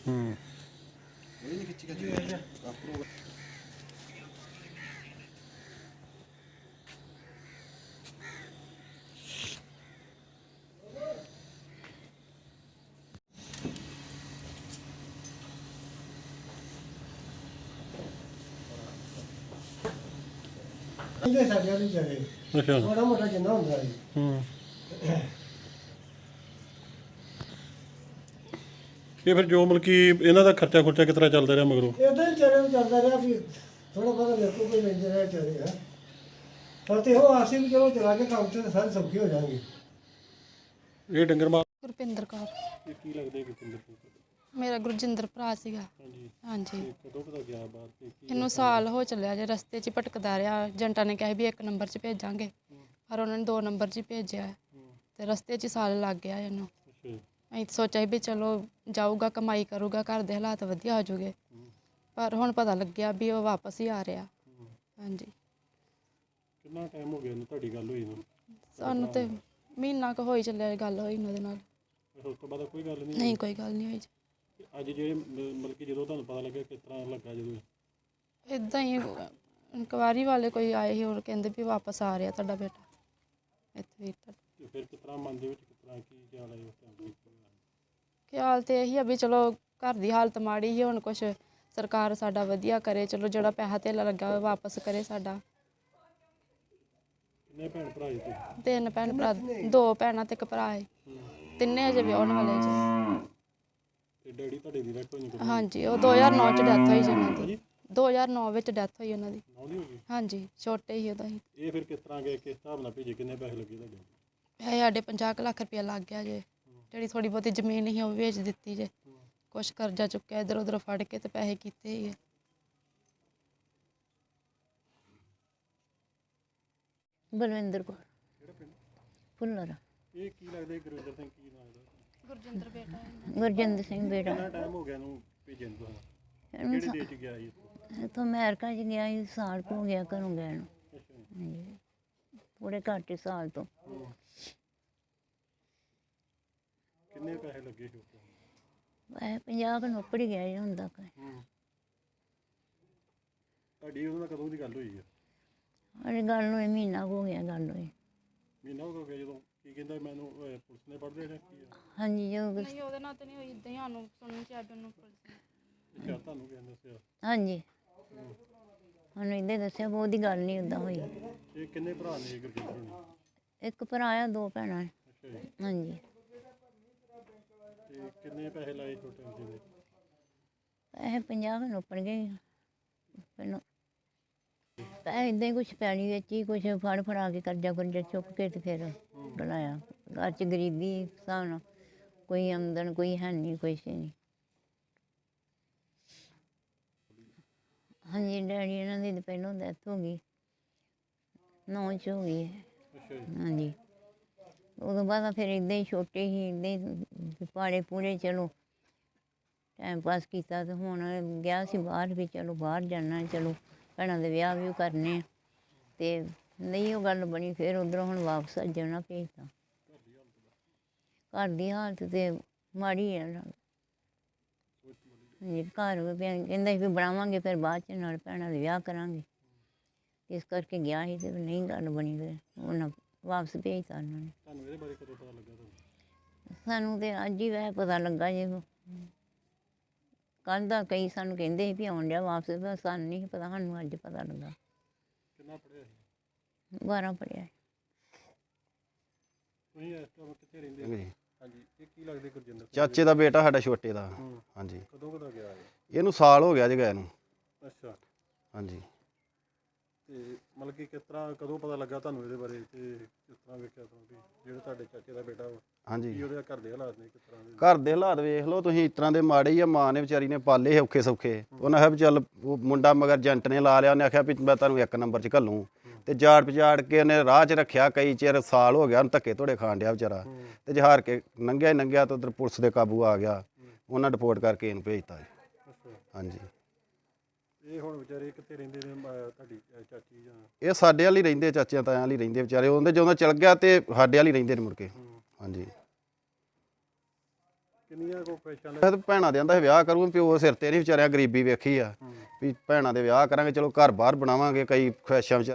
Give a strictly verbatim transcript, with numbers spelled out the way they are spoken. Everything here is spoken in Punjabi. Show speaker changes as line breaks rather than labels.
ਹੂੰ
ਇਹ ਨਹੀਂ ਖਿੱਚੀ ਖਿੱਚੀ ਆਪਰੋ
ਇਹਦੇ ਸਾਡੇ ਵਾਲੀ ਜਰੇ
ਅੱਛਾ
ਬੜਾ ਮੋਟਾ ਜਿੰਨਾ ਹੁੰਦਾ ਹੈ।
ਹੂੰ ਇਹ ਫਿਰ ਜੋ ਮਤਲਬ ਕਿ ਇਹਨਾਂ ਦਾ ਖਰਚਾ ਖੁਰਚਾ ਕਿਸ ਤਰ੍ਹਾਂ ਚੱਲਦਾ ਰਿਹਾ ਮਗਰੋਂ?
ਇਦਾਂ ਹੀ ਚਰੇ ਚੱਲਦਾ ਰਿਹਾ ਵੀ ਥੋੜਾ ਬਹੁਤਾ ਮੇਰੇ ਕੋਲ ਕੋਈ ਲੈਂਦੇ ਰਹੇ ਚਰੇ ਹੈ ਪਰ ਤੇ ਉਹ ਆਸੀ ਵੀ ਚਲੋ ਚਲਾ ਕੇ ਕੰਮ ਤੇ ਸਾਰੇ ਸੌਖੇ ਹੋ ਜਾਣਗੇ।
ਇਹ ਡੰਗਰ ਮਾਰ
ਗੁਰਪਿੰਦਰ ਕੌਰ
ਇਹ ਕੀ ਲੱਗਦਾ ਗੁਰਪਿੰਦਰ ਸਿੰਘ?
ਮੇਰਾ ਗੁਰਜਿੰਦਰ ਭਰਾ ਸੀਗਾ।
ਹਾਂਜੀ
ਹਾਂਜੀ
ਇਹ ਕਦੋਂ ਕਦੋਂ ਗਿਆ ਬਾਹਰ ਤੇ ਕੀ
ਇਹਨੂੰ ਸਾਲ ਹੋ ਚੱਲਿਆ ਜੇ ਰਸਤੇ 'ਚ ਹੀ ਭਟਕਦਾ ਰਿਹਾ। ਏਜੰਟਾਂ ਨੇ ਕਿਹਾ ਵੀ ਇੱਕ ਨੰਬਰ 'ਚ ਭੇਜਾਂਗੇ ਪਰ ਉਹਨਾਂ ਨੇ ਦੋ ਨੰਬਰ 'ਚ ਹੀ ਭੇਜਿਆ ਤੇ ਰਸਤੇ 'ਚ ਹੀ ਸਾਲ ਲੱਗ ਗਿਆ ਇਹਨੂੰ।
ਅੱਛਾ ਜੀ।
ਅਸੀਂ ਸੋਚਿਆ ਵੀ ਚਲੋ ਜਾਊਗਾ ਕਮਾਈ ਕਰੂਗਾ ਘਰ ਦੇ ਹਾਲਾਤ ਵਧੀਆ ਹੋ ਜੂਗੇ ਪਰ ਹੁਣ ਪਤਾ ਲੱਗਿਆ ਵੀ ਉਹ ਵਾਪਸ ਹੀ ਆ ਰਿਹਾ। ਹਾਂਜੀ
ਕਿੰਨਾ ਟਾਈਮ ਹੋ ਗਿਆ ਇਹਨੂੰ ਤੁਹਾਡੀ ਗੱਲ ਹੋਈ ਨੂੰ?
ਸਾਨੂੰ ਤੇ ਮਹੀਨਾ ਕੁ ਹੋਈ ਚੱਲਿਆ ਗੱਲ ਹੋਈ ਇਹਨਾਂ ਦੇ ਨਾਲ।
ਉਸ ਤੋਂ ਬਾਅਦ ਕੋਈ ਗੱਲ ਨਹੀਂ?
ਨਹੀਂ ਕੋਈ ਗੱਲ ਨਹੀਂ ਹੋਈ ਜੀ।
ਤੇ ਅੱਜ ਜਿਹੜੇ ਮ- ਮਤਲਬ ਕਿ ਜਦੋਂ ਤੁਹਾਨੂੰ ਪਤਾ ਲੱਗਿਆ ਕਿਸ ਤਰ੍ਹਾਂ ਲੱਗਾ ਜਦੋਂ?
ਇੱਦਾਂ ਹੀ ਇਨਕੁਆਇਰੀ ਵਾਲੇ ਕੋਈ ਆਏ ਸੀ ਹੋਰ ਕਹਿੰਦੇ ਵੀ ਵਾਪਸ ਆ ਰਿਹਾ ਤੁਹਾਡਾ ਬੇਟਾ ਇੱਥੇ ਵੀ ਤੁਹਾਡਾ।
ਤੇ ਫਿਰ ਕਿਸ ਤਰ੍ਹਾਂ ਮਨ ਦੇ ਵਿੱਚ ਕਿਸ ਤਰ੍ਹਾਂ ਕੀ ਖਿਆਲ ਆਇਆ ਉਸ ਟਾਈਮ ਤੇ?
ਖਿਆਲ ਤੇ ਇਹੀ ਆ ਵੀ ਚਲੋ ਘਰ ਦੀ ਹਾਲਤ ਮਾੜੀ ਹੀ ਹੁਣ ਕੁਛ ਸਰਕਾਰ ਸਾਡਾ ਵਧੀਆ ਕਰੇ ਚਲੋ ਜਿਹੜਾ ਪੈਸਾ ਧੇਲਾ ਲੱਗਾ ਉਹ ਵਾਪਸ ਕਰੇ ਸਾਡਾ।
ਕਿੰਨੇ ਭੈਣ ਭਰਾ ਜੀ ਤੁਸੀਂ?
ਤਿੰਨ ਭੈਣ ਭਰਾ ਦੋ ਭੈਣਾਂ ਤੇ ਇੱਕ ਭਰਾ ਹੈ ਤਿੰਨੇ ਅਜੇ ਵਿਆਹੁਣ ਵਾਲੇ ਜੀ।
ਤੇ ਡੈਡੀ ਤੁਹਾਡੇ ਦੀ ਡੈਥ ਹੋਈ ਨਹੀਂ?
ਹਾਂਜੀ ਉਹ ਦੋ ਹਜ਼ਾਰ ਨੌ 'ਚ ਡੈਥ ਹੋਈ ਜੀ ਉਹਨਾਂ ਦੀ। ਦੋ ਹਜ਼ਾਰ ਨੌ ਵਿੱਚ ਡੈਥ ਹੋਈ ਉਹਨਾਂ ਦੀ।
ਨੌਂ ਦੀ ਹੋ ਗਈ?
ਹਾਂਜੀ ਛੋਟੇ ਹੀ ਉਦੋਂ ਹੀ।
ਇਹ ਫਿਰ ਕਿਸ ਤਰ੍ਹਾਂ ਗਏ, ਕਿਸ ਹਿਸਾਬ ਨਾਲ ਭੇਜੇ, ਕਿੰਨੇ ਪੈਸੇ ਲੱਗੇ ਤੁਹਾਡੇ?
ਪੈਸੇ ਸਾਡੇ ਪੰਜਾਹ ਕੁ ਲੱਖ ਰੁਪਇਆ ਲੱਗ ਗਿਆ ਜੇ। ਜਿਹੜੀ ਥੋੜ੍ਹੀ ਬਹੁਤੀ ਜ਼ਮੀਨ ਸੀ ਉਹ ਵੇਚ ਦਿੱਤੀ ਜੇ। ਕੁਛ ਕਰਜ਼ਾ ਚੁੱਕਿਆ ਇੱਧਰ ਉੱਧਰ ਫੜ ਕੇ ਤੇ ਪੈਸੇ ਕੀਤੇ ਹੀ।
ਬਲਵਿੰਦਰ ਕੌਰ
ਕਿਹੜਾ ਪਿੰਡ?
ਫੁੱਲਰ।
ਇਹ ਕੀ ਲੱਗਦਾ ਗੁਰਵਿੰਦਰ ਸਿੰਘ ਕੀ ਨਾਮ ਦਾ?
ਗੁਰਜਿੰਦਰ ਬੇਟਾ
ਗੁਰਜਿੰਦਰ ਸਿੰਘ ਬੇਟਾ।
ਕਿੰਨਾ ਟਾਈਮ ਹੋ ਗਿਆ ਇਹਨੂੰ ਭੇਜਣ ਨੂੰ ਤੁਹਾਨੂੰ?
ਇਹਨੂੰ
ਕਿਹੜੇ ਦੇਸ਼ 'ਚ ਗਿਆ ਸੀ ਇੱਥੋਂ?
ਇੱਥੋਂ ਅਮਰੀਕਾ 'ਚ ਗਿਆ ਸੀ ਸਾਲ ਕੁ ਹੋ ਗਿਆ ਘਰੋਂ ਗਿਆ ਨੂੰ।
ਅੱਛਾ ਜੀ।
ਹਾਂਜੀ ਥੋੜ੍ਹੇ ਘੱਟ ਹੀ ਸਾਲ ਤੋਂ।
ਹੂੰ। ਕਿੰਨੇ ਪੈਸੇ ਲੱਗੇ ਸੀ ਉਸ time?
ਵੈਸੇ ਪੰਜਾਹ ਕੁ ਨੌਕਰ ਹੀ ਗਿਆ ਜੀ ਹੁਣ ਤੱਕ।
ਹੂੰ। ਤੁਹਾਡੀ ਉਹਦੇ ਨਾਲ ਕਦੋਂ ਦੀ ਗੱਲ ਹੋਈ ਹੈ?
ਅਰੇ ਗੱਲ ਨੂੰ ਮਹੀਨਾ ਕੁ ਹੋ ਗਿਆ ਗੱਲ ਹੋਈ।
ਮਹੀਨਾ ਹੋ ਗਿਆ ਜਦੋਂ? ਕੀ ਕਹਿੰਦਾ ਮੈਨੂੰ ਅਹ, ਪੁਲਿਸ ਨੇ ਪੜ੍ਹਦੇ ਨੇ ਕੀ ਆ?
ਹਾਂਜੀ ਜੋ
ਨਹੀਂ ਉਹਦੇ ਨਾਲ ਤੇ ਨਹੀਂ ਹੋਈ ਇੱਦਾਂ ਹੀ ਸਾਨੂੰ ਸੁਣਨ 'ਚ ਆਇਆ ਵੀ ਉਹਨੂੰ ਪੁਲਿਸ ਨੇ।
ਅੱਛਾ ਤੁਹਾਨੂੰ ਕਿਹਨੇ ਦੱਸਿਆ?
ਹਾਂਜੀ ਸਾਨੂੰ ਇੱਦਾਂ ਹੀ ਦੱਸਿਆ ਬਹੁਤ ਦੀ ਗੱਲ ਨਹੀਂ ਉੱਦਾਂ ਹੋਈ।
ਇਹ ਕਿੰਨੇ ਭਰਾ ਨੇ ਗੁਰਜਿੰਦਰ ਹੋਣੀ?
ਇੱਕ ਭਰਾ ਆ ਦੋ ਭੈਣਾਂ।
ਅੱਛਾ ਜੀ।
ਹਾਂਜੀ
ਤੇ ਕਿੰਨੇ ਪੈਸੇ ਲਾਏ ਛੋਟੇ ਹੁੰਦੇ ਦੇ?
ਪੈਸੇ ਪੰਜਾਹ ਕੁ ਨੌਕਰ ਗਏ ਪਹਿਲਾਂ। ਪੈਸੇ ਇੱਦਾਂ ਹੀ ਕੁਛ ਪੈਣੀ ਵਿੱਚ ਹੀ ਕੁਛ ਫੜ ਫੜਾ ਕੇ ਕਰਜ਼ਾ ਕੁਰਜ਼ਾ ਚੁੱਕ ਕੇ ਤੇ ਫਿਰ ਬਣਾਇਆ। ਘਰ 'ਚ ਗਰੀਬੀ ਹਿਸਾਬ ਨਾਲ ਕੋਈ ਆਮਦਨ ਕੋਈ ਹੈ ਨਹੀਂ ਕੁਛ ਨਹੀਂ। ਹਾਂਜੀ ਡੈਡੀ ਇਹਨਾਂ ਦੀ ਤਾਂ ਪਹਿਲੋਂ ਡੈਥ ਹੋ ਗਈ ਨੌਂ 'ਚ ਹੋ ਗਈ ਹੈ।
ਅੱਛਾ ਜੀ।
ਹਾਂਜੀ ਉਦੋਂ ਬਾਅਦ ਫਿਰ ਇੱਦਾਂ ਹੀ ਛੋਟੇ ਹੀ ਇੱਦਾਂ ਹੀ ਪਾੜੇ ਪੂਰੇ ਚਲੋ ਟਾਈਮ ਪਾਸ ਕੀਤਾ ਤੇ ਹੁਣ ਗਿਆ ਸੀ ਬਾਹਰ ਵੀ ਚਲੋ ਬਾਹਰ ਜਾਣਾ ਚਲੋ ਭੈਣਾਂ ਦੇ ਵਿਆਹ ਵੀ ਕਰਨੇ ਅਤੇ ਨਹੀਂ ਉਹ ਗੱਲ ਬਣੀ ਫਿਰ ਉੱਧਰੋਂ ਹੁਣ ਵਾਪਸ ਜਾਣਾ ਭੇਜਤਾ। ਘਰ ਦੀ ਹਾਲਤ ਤਾਂ ਮਾੜੀ ਹੈ ਨਾਲ। ਹਾਂਜੀ ਘਰ ਵੀ ਕਹਿੰਦਾ ਸੀ ਵੀ ਬਣਾਵਾਂਗੇ ਫਿਰ ਬਾਅਦ 'ਚ ਨਾਲ ਭੈਣਾਂ ਦੇ ਵਿਆਹ ਕਰਾਂਗੇ ਇਸ ਕਰਕੇ ਗਿਆ ਸੀ ਅਤੇ ਨਹੀਂ ਗੱਲ ਬਣੀ ਫਿਰ ਉਹਨਾਂ ਵਾਪਸ ਭੇਜਤਾ ਉਹਨਾਂ ਨੇ।
ਤੁਹਾਨੂੰ ਇਹਦੇ ਬਾਰੇ ਕਦੋਂ ਪਤਾ ਲੱਗਾ ਤੁਹਾਨੂੰ?
ਸਾਨੂੰ ਤਾਂ ਅੱਜ ਹੀ ਵੈਸੇ ਪਤਾ ਲੱਗਾ ਜੇ ਕੱਲ੍ਹ ਦਾ ਕਈ ਸਾਨੂੰ ਕਹਿੰਦੇ ਸੀ ਵੀ ਆਉਣ ਡਿਆ ਵਾਪਸ ਪਰ ਸਾਨੂੰ ਨਹੀਂ ਪਤਾ ਸਾਨੂੰ ਅੱਜ ਪਤਾ ਲੱਗਾ।
ਕਿੰਨਾ ਪੜ੍ਹਿਆ ਸੀ?
ਬਾਰਾਂ ਪੜ੍ਹਿਆ।
ਤੁਸੀਂ ਇਸ ਟਾਈਮ ਕਿੱਥੇ ਰਹਿੰਦੇ ਹੋ? ਹਾਂਜੀ ਇਹ ਕੀ ਲੱਗਦੇ ਗੁਰਜਿੰਦਰ ਸਿੰਘ?
ਚਾਚੇ ਦਾ ਬੇਟਾ ਸਾਡਾ ਛੋਟੇ ਦਾ।
ਹੂੰ।
ਹਾਂਜੀ
ਕਦੋਂ ਕਦੋਂ ਗਿਆ ਇਹ?
ਇਹਨੂੰ ਸਾਲ ਹੋ ਗਿਆ ਜੀ ਗਏ ਨੂੰ।
ਅੱਛਾ
ਹਾਂਜੀ
ਤੇ ਮਤਲਬ ਕਿ ਕਿਸ ਤਰ੍ਹਾਂ ਕਦੋਂ ਪਤਾ ਲੱਗਾ ਤੁਹਾਨੂੰ ਇਹਦੇ ਬਾਰੇ ਤੇ ਕਿਸ ਤਰ੍ਹਾਂ ਵੇਖਿਆ ਤੁਹਾਨੂੰ ਵੀ ਜਿਹੜਾ ਤੁਹਾਡੇ ਚਾਚੇ ਦਾ ਬੇਟਾ ਵਾ ਕੀ
ਹਾਂਜੀ
ਉਹਦੇ ਘਰ ਦੇ ਹਾਲਾਤ ਨੇ ਕਿਸ ਤਰ੍ਹਾਂ ਦੇ?
ਘਰ ਦੇ ਹਾਲਾਤ ਵੇਖ ਲਓ ਤੁਸੀਂ, ਇਸ ਤਰ੍ਹਾਂ ਦੇ ਮਾੜੇ ਹੀ ਆ। ਮਾਂ ਨੇ ਵਿਚਾਰੀ ਨੇ ਪਾਲੇ ਔਖੇ ਸੌਖੇ। ਉਹਨਾਂ ਆਖਿਆ ਵੀ ਚੱਲ ਉਹ ਮੁੰਡਾ ਮਗਰ ਏਜੰਟ ਨੇ ਲਾ ਲਿਆ। ਉਹਨੇ ਆਖਿਆ ਵੀ ਮੈਂ ਤੁਹਾਨੂੰ ਇੱਕ ਨੰਬਰ 'ਚ ਘੱਲੂੰ ਤੇ ਜਾੜ ਪਜਾੜ ਕੇ ਉਹਨੇ ਰਾਹ 'ਚ ਰੱਖਿਆ ਕਈ ਚਿਰ। ਸਾਲ ਹੋ ਗਿਆ ਉਹਨੂੰ ਧੱਕੇ ਧੋੜੇ ਖਾਣ ਡਿਆ ਵਿਚਾਰਾ ਤੇ ਜਹਾਰ ਕੇ ਲੰਘਿਆ ਹੀ ਲੰਘਿਆ ਤਾਂ ਉੱਧਰ ਪੁਲਿਸ ਦੇ ਕਾਬੂ ਆ ਗਿਆ। ਉਹਨਾਂ ਰਿਪੋਰਟ ਕਰਕੇ ਇਹਨੂੰ ਭੇਜਤਾ ਜੀ।
ਅੱਛਾ
ਹਾਂਜੀ
ਇਹ ਹੁਣ ਵਿਚਾਰੇ ਕਿੱਥੇ ਰਹਿੰਦੇ ਨੇ ਅਹ ਤੁਹਾਡੀ ਅਹ ਚਾਚੀ ਜਾਂ?
ਇਹ ਸਾਡੇ ਵਾਲੀ ਰਹਿੰਦੇ, ਚਾਚਿਆਂ ਤਾਇਆਂ ਵਾਲੀ ਰਹਿੰਦੇ ਵਿਚਾਰੇ। ਉਹਦੇ ਜਦੋਂ ਚਲ ਗਿਆ ਤੇ ਸਾਡੇ ਵਾਲੀ ਰਹਿੰਦੇ ਨੇ ਮੁੜ ਕੇ।
ਹੂੰ।
ਹਾਂਜੀ
ਕਿੰਨੀਆਂ ਕੋ ਖੁਆਇਸ਼ਾਂ
ਮੈਂ ਤਾਂ ਭੈਣਾਂ ਦੇ ਆਂਦਾ ਵਿਆਹ ਕਰੂੰ, ਪਿਓ ਸਿਰ ਤੇ ਨਹੀਂ ਵਿਚਾਰਿਆ ਗਰੀਬੀ ਵੇਖੀ ਆ ਵੀ ਭੈਣਾਂ ਦੇ ਵਿਆਹ ਕਰਾਂਗੇ, ਚਲੋ ਘਰ ਬਾਹਰ ਬਣਾਵਾਂਗੇ, ਕਈ ਖੁਆਇਸ਼ਾਂ ਵਿਚਾਰ